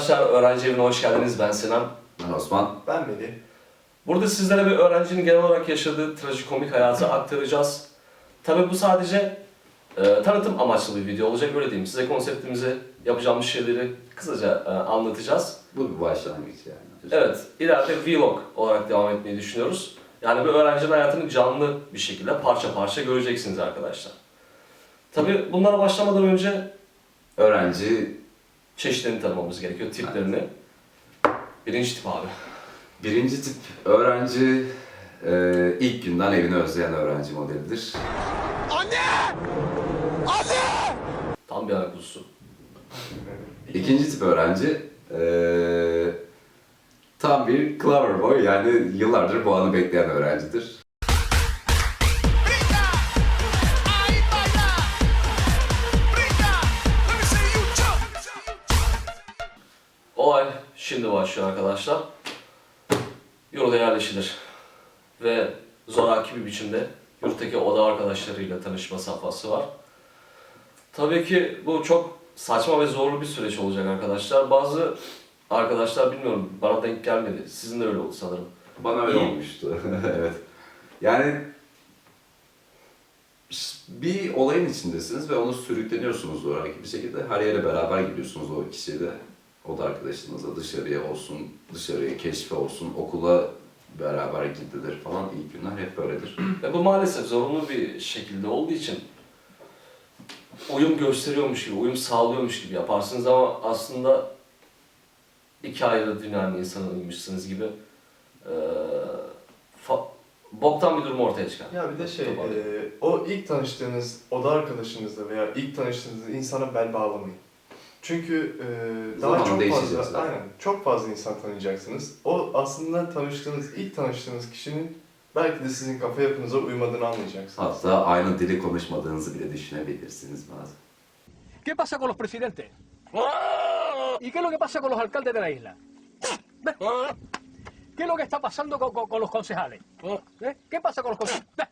arkadaşlar, Öğrenci Evi'ne hoş geldiniz. Ben Sinan. Ben Osman. Ben Melih. Burada sizlere bir öğrencinin genel olarak yaşadığı trajikomik hayatı aktaracağız. Tabii bu sadece tanıtım amaçlı bir video olacak, öyle diyeyim. Size konseptimizi, yapacağımız şeyleri kısaca anlatacağız. Bu bir başlangıç yani. Evet, ileride vlog olarak devam etmeyi düşünüyoruz. Yani bir öğrencinin hayatını canlı bir şekilde parça parça göreceksiniz arkadaşlar. Tabii bunlara başlamadan önce Öğrenci, çeşitlerini tanımamız gerekiyor, tiplerini. Birinci tip abi. birinci tip öğrenci ilk günden evini özleyen öğrenci modelidir. Anne! Anne! Tam bir ayak kuzusu. İkinci tip öğrenci tam bir clever boy, yani yıllardır bu anı bekleyen öğrencidir. Brinca! Ahí baila! Brinca! Let me see you jump! Olay şimdi başlıyor arkadaşlar. Yurda yerleşilir ve zoraki bir biçimde yurttaki oda arkadaşlarıyla tanışma safhası var. Tabii ki bu çok saçma ve zorlu bir süreç olacak arkadaşlar. Bazı arkadaşlar, bilmiyorum, bana denk gelmedi. Sizin de öyle oldu sanırım. Bana öyle İyi. olmuştu. Evet. Yani bir olayın içindesiniz ve onu sürükleniyorsunuz zoraki bir şekilde. Her yere beraber gidiyorsunuz o kişiyle. O da arkadaşınızla dışarıya olsun, dışarıya keşfe olsun, okula beraber gidilir falan. İlk günler hep böyledir. Ve bu maalesef zorunlu bir şekilde olduğu için uyum gösteriyormuş gibi, uyum sağlıyormuş gibi yaparsınız ama aslında iki ayrı dünyanın insanıymışsınız gibi boktan bir durum ortaya çıkar. Ya bir de Tabii. o ilk tanıştığınız oda arkadaşınızla veya ilk tanıştığınız insana bel bağlamayın. Çünkü daha Zamanla çok değişeceğiz fazla, zaten. aynen, çok fazla insan tanıyacaksınız. O aslında ilk tanıştığınız kişinin belki de sizin kafa yapınıza uymadığını anlayacaksınız. Hatta aynı dili konuşmadığınızı bile düşünebilirsiniz bazen. ¿Qué pasa con los presidentes? ¿Y qué es lo que pasa con los alcaldes de la isla? ¿Qué es lo que está pasando con los concejales? ¿Qué pasa con los concejales?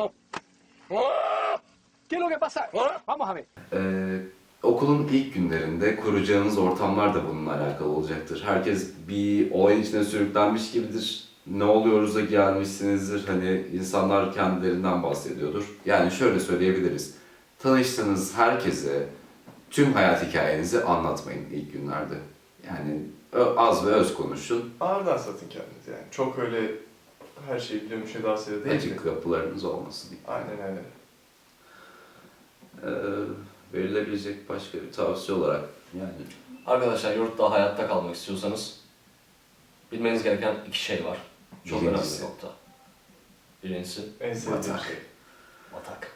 ¿Qué es lo que pasa? Vamos a ver. Okulun ilk günlerinde kuracağınız ortamlar da bununla alakalı olacaktır. Herkes bir olayın içine sürüklenmiş gibidir. Ne oluyoruz da gelmişsinizdir. Hani insanlar kendilerinden bahsediyordur. Yani şöyle söyleyebiliriz. Tanıştığınız herkese tüm hayat hikayenizi anlatmayın ilk günlerde. Yani az ve öz konuşun. Ağırdan satın kendinizi yani. Çok öyle her şeyi biliyormuş edasıyla değil de. Açık kapılarınız olmasın. Aynen öyle. Verilebilecek başka bir tavsiye olarak yani Arkadaşlar, yurtta hayatta kalmak istiyorsanız bilmeniz gereken iki şey var. Çok önemli Birincisi. bir nokta. Birincisi En sevdiğim Batak. şey. batak.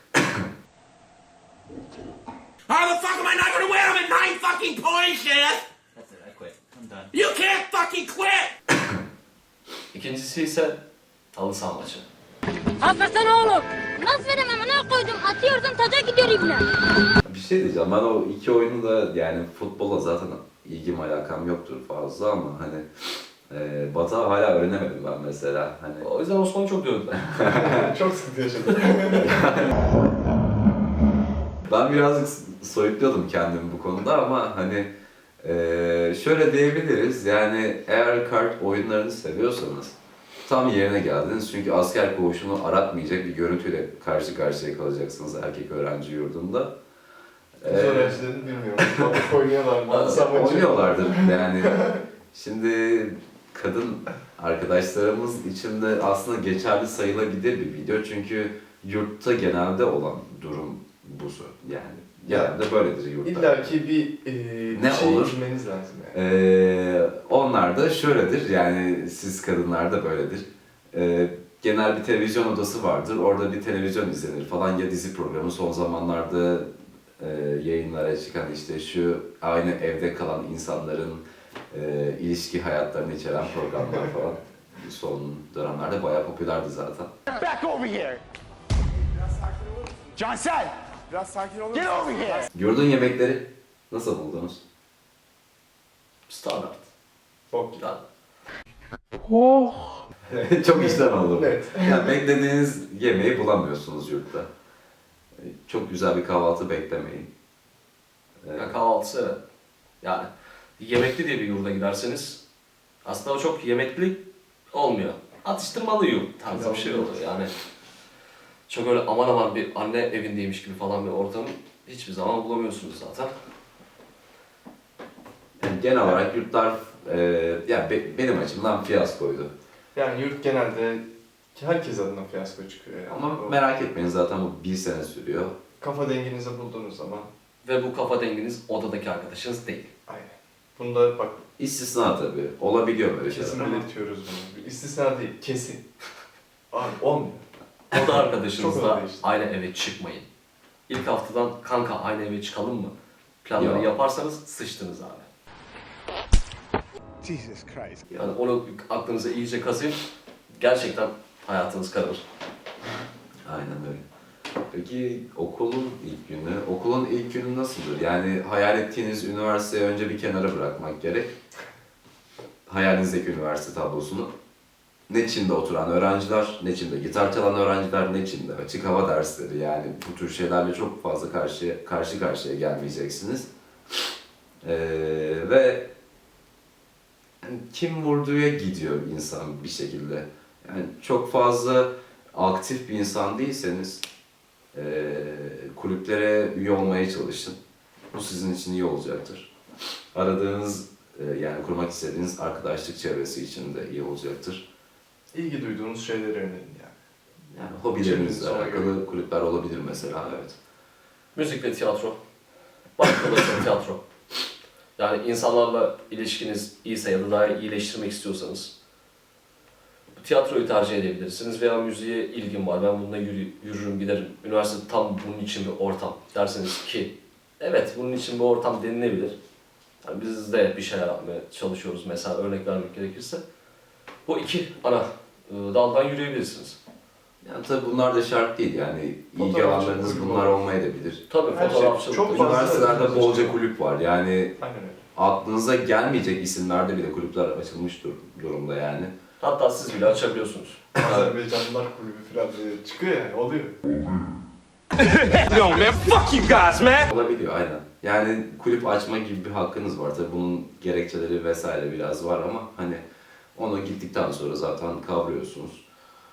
How the fuck am I not gonna win? I'm at 9 fucking points, yes? That's it, I quit. I'm done. You can't fucking quit! İkincisi ise halı saha maçı. Hakikaten oğlum. Nasıl veremem ana koydum. Atıyorsun taca gidiyor ibne. bir şey diyeceğim. Ben o iki oyunu da yani futbola zaten ilgim alakam yoktur fazla ama hani Batak'ı hala öğrenemedim ben mesela. Hani O yüzden Osman'ı çok dövdüler. Çok sıkıntı yaşadım. ben birazcık soyutluyordum kendimi bu konuda ama hani şöyle diyebiliriz, yani eğer kart oyunlarını seviyorsanız tam yerine geldiniz çünkü asker koğuşunu aratmayacak bir görüntüyle karşı karşıya kalacaksınız erkek öğrenci yurdunda. Kız öğrencilerini bilmiyorum. Batak oynuyorlar mı? Samacı. Oynuyorlardır yani. Şimdi kadın arkadaşlarımız için de aslında geçerli sayılabilir bir video çünkü yurtta genelde olan durum bu yani. Genelde böyledir yurtta. İlla ki Ne bir şey olur? bilmeniz lazım yani. Onlar da şöyledir, yani siz kadınlar da böyledir. Genel bir televizyon odası vardır, orada bir televizyon izlenir falan ya dizi programı, son zamanlarda yayınlara çıkan işte şu aynı evde kalan insanların ilişki hayatlarını içeren programlar falan son dönemlerde bayağı popülerdi zaten. Back over here! Cansel! Biraz sakin olun. Get over here! Yurdun yemekleri nasıl buldunuz? Standart. Bok. Yani Çok işten oldu. Evet. Yani beklediğiniz yemeği bulamıyorsunuz yurtta. Çok güzel bir kahvaltı beklemeyin. kahvaltısı, evet. Yani yemekli diye bir yurda giderseniz aslında o çok yemekli olmuyor. Atıştırmalı yurt tarzı bir şey oluyor yani. Çok öyle aman aman bir anne evindeymiş gibi falan bir ortam hiçbir zaman bulamıyorsunuz zaten. Yani genel olarak yurtlar benim açımdan fiyaskoydu. Yani yurt genelde herkes adına fiyasko çıkıyor yani. Ama O merak etmeyin zaten bu 1 sene sürüyor. kafa denginizi bulduğunuz zaman Ve bu kafa denginiz odadaki arkadaşınız değil. aynen. Bunda bak İstisna tabii. Olabiliyor böyle şeyler kesin ama. belirtiyoruz bunu. Bir İstisna değil, kesin. Abi olmuyor. Oda Çok arkadaşınızla öyle işte. aynı eve çıkmayın. İlk haftadan kanka aynı eve çıkalım mı? Planları Yok. yaparsanız sıçtınız abi. Jesus Christ. Yani onu aklınıza iyice kazıyın. Gerçekten hayatınız kararır. Aynen öyle. Peki okulun ilk günü nasıldır? Yani hayal ettiğiniz üniversiteyi önce bir kenara bırakmak gerek. Hayalinizdeki üniversite tablosunu. Ne Çin'de oturan öğrenciler, ne Çin'de gitar çalan öğrenciler, ne Çin'de açık hava dersleri. Yani bu tür şeylerle çok fazla karşı karşıya gelmeyeceksiniz. Ve yani kim vurduya gidiyor insan bir şekilde. Yani çok fazla aktif bir insan değilseniz kulüplere üye olmaya çalışın. Bu sizin için iyi olacaktır. Aradığınız yani kurmak istediğiniz arkadaşlık çevresi için de iyi olacaktır. İlgi duyduğunuz şeylere yönelin yani. Yani hobilerinizle Çevrenize ona alakalı kulüpler olabilir mesela, evet. Müzik ve tiyatro. Başkalarıyla tiyatro. Yani insanlarla ilişkiniz iyiyse ya da daha iyileştirmek istiyorsanız tiyatroyu tercih edebilirsiniz veya müziğe ilgim var, ben bununla yürürüm giderim. Üniversite tam bunun için bir ortam derseniz ki evet bunun için bir ortam denilebilir. Yani biz de bir şeyler yapmaya çalışıyoruz mesela örnek vermek gerekirse. Bu iki ana daldan yürüyebilirsiniz. Yani tabii bunlar da şart değil yani ilgi Fotoğrafçılık alanlarınız kulübü bunlar var. olmayabilir. Tabii Her şey fotoğrafçılık. çok fazla- Üniversitelerde bolca kulüp var yani Aynen öyle. aklınıza gelmeyecek isimlerde bile kulüpler açılmış durumda yani. Hatta siz bile açabiliyorsunuz. Azerbaycanlılar kulübü falan diye çıkıyor yani, oluyor. No, man, fuck you guys, man. Olabiliyor aynen. Yani kulüp açma gibi bir hakkınız var. Tabii bunun gerekçeleri vesaire biraz var ama hani onu gittikten sonra zaten kavruyorsunuz.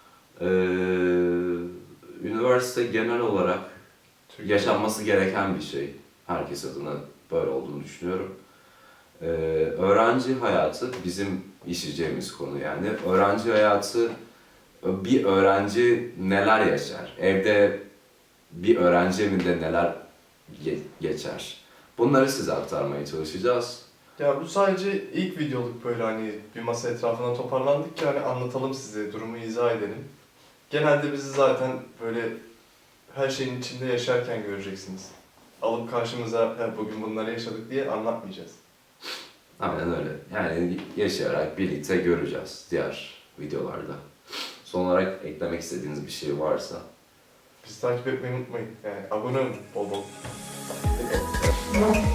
Üniversite genel olarak yaşanması gereken bir şey. Herkes adına böyle olduğunu düşünüyorum. Öğrenci hayatı bizim işleyeceğimiz konu yani. Öğrenci hayatı, bir öğrenci neler yaşar? Evde bir öğrenci evinde neler geçer? Bunları size aktarmaya çalışacağız. Ya bu sadece ilk videoluk, böyle hani bir masa etrafına toparlandık ki hani anlatalım size, durumu izah edelim. Genelde bizi zaten böyle her şeyin içinde yaşarken göreceksiniz. Alıp karşımıza "Ha, bugün bunları yaşadık" diye anlatmayacağız. Aynen öyle. Yani yaşayarak birlikte göreceğiz diğer videolarda. Son olarak eklemek istediğiniz bir şey varsa. Bizi takip etmeyi unutmayın. Yani abone olun bol bol.